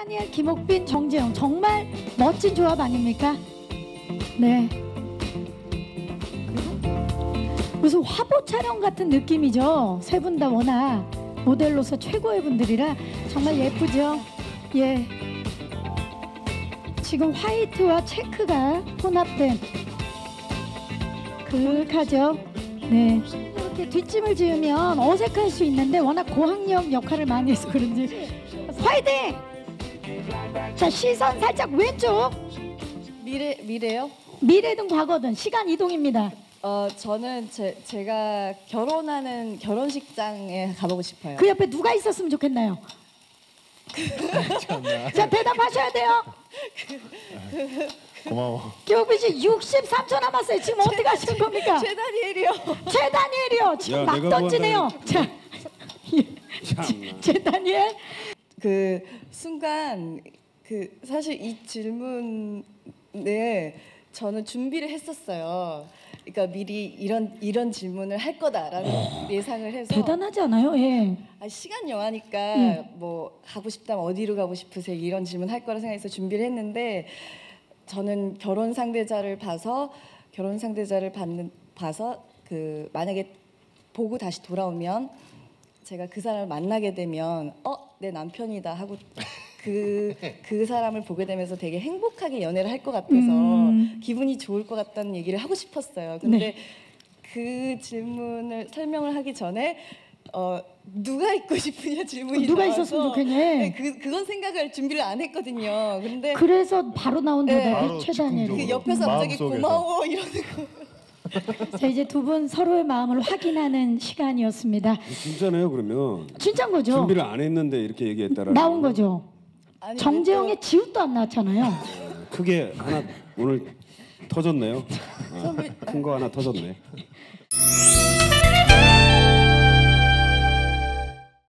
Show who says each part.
Speaker 1: 최다니엘, 김옥빈, 정재영 정말 멋진 조합 아닙니까? 네. 무슨 화보 촬영 같은 느낌이죠. 세 분 다 워낙 모델로서 최고의 분들이라 정말 예쁘죠. 예. 지금 화이트와 체크가 혼합된 그윽하죠. 네. 이렇게 뒷짐을 지으면 어색할 수 있는데 워낙 고학력 역할을 많이 해서 그런지 화이팅! 자, 시선 살짝 왼쪽.
Speaker 2: 미래요?
Speaker 1: 미래든 과거든 시간 이동입니다.
Speaker 2: 저는 제가 결혼하는 결혼식장에 가보고 싶어요.
Speaker 1: 그 옆에 누가 있었으면 좋겠나요? 자, 대답하셔야 돼요.
Speaker 3: 고마워.
Speaker 1: 김옥빈 씨 63초 남았어요. 지금 어떻게 하시는 겁니까?
Speaker 2: 최다니엘이요.
Speaker 1: 최다니엘이요. 지금
Speaker 3: 야,
Speaker 1: 막
Speaker 3: 내가
Speaker 1: 던지네요. 자, 최다니엘.
Speaker 2: 그 순간 사실 이 질문에 저는 준비를 했었어요. 그러니까 미리 이런 질문을 할 거다라는 예상을 해서.
Speaker 1: 대단하지 않아요? 예.
Speaker 2: 시간 영화니까 뭐 가고 싶다면 어디로 가고 싶으세요? 이런 질문 할 거라 생각해서 준비를 했는데 저는 결혼 상대자를 봐서 그 만약에 보고 다시 돌아오면 제가 그 사람을 만나게 되면 내 남편이다 하고 그 사람을 보게 되면서 되게 행복하게 연애를 할 것 같아서 기분이 좋을 것 같다는 얘기를 하고 싶었어요. 근데
Speaker 1: 네.
Speaker 2: 그 질문을 설명을 하기 전에 누가 있고 싶으냐 질문이
Speaker 1: 누가
Speaker 2: 나와서
Speaker 1: 있었으면 좋겠냐?
Speaker 2: 네, 그건 생각을 준비를 안 했거든요. 근데
Speaker 1: 그래서 바로 나온
Speaker 2: 네.
Speaker 1: 대답이
Speaker 3: 바로
Speaker 1: 최다니엘.
Speaker 2: 그
Speaker 3: 즉흥적으로.
Speaker 2: 옆에서 갑자기
Speaker 3: 마음속에서.
Speaker 2: 고마워 이러는 거.
Speaker 1: 자, 이제 두 분 서로의 마음을 확인하는 시간이었습니다.
Speaker 3: 진짜네요. 그러면
Speaker 1: 진짜인 거죠?
Speaker 3: 준비를 안 했는데 이렇게 얘기했다라는
Speaker 1: 나온
Speaker 3: 거는
Speaker 1: 거죠.
Speaker 2: 아니,
Speaker 1: 정재영의 지읒도 안 나왔잖아요.
Speaker 3: 크게 하나 오늘 터졌네요. 큰 거 하나 터졌네.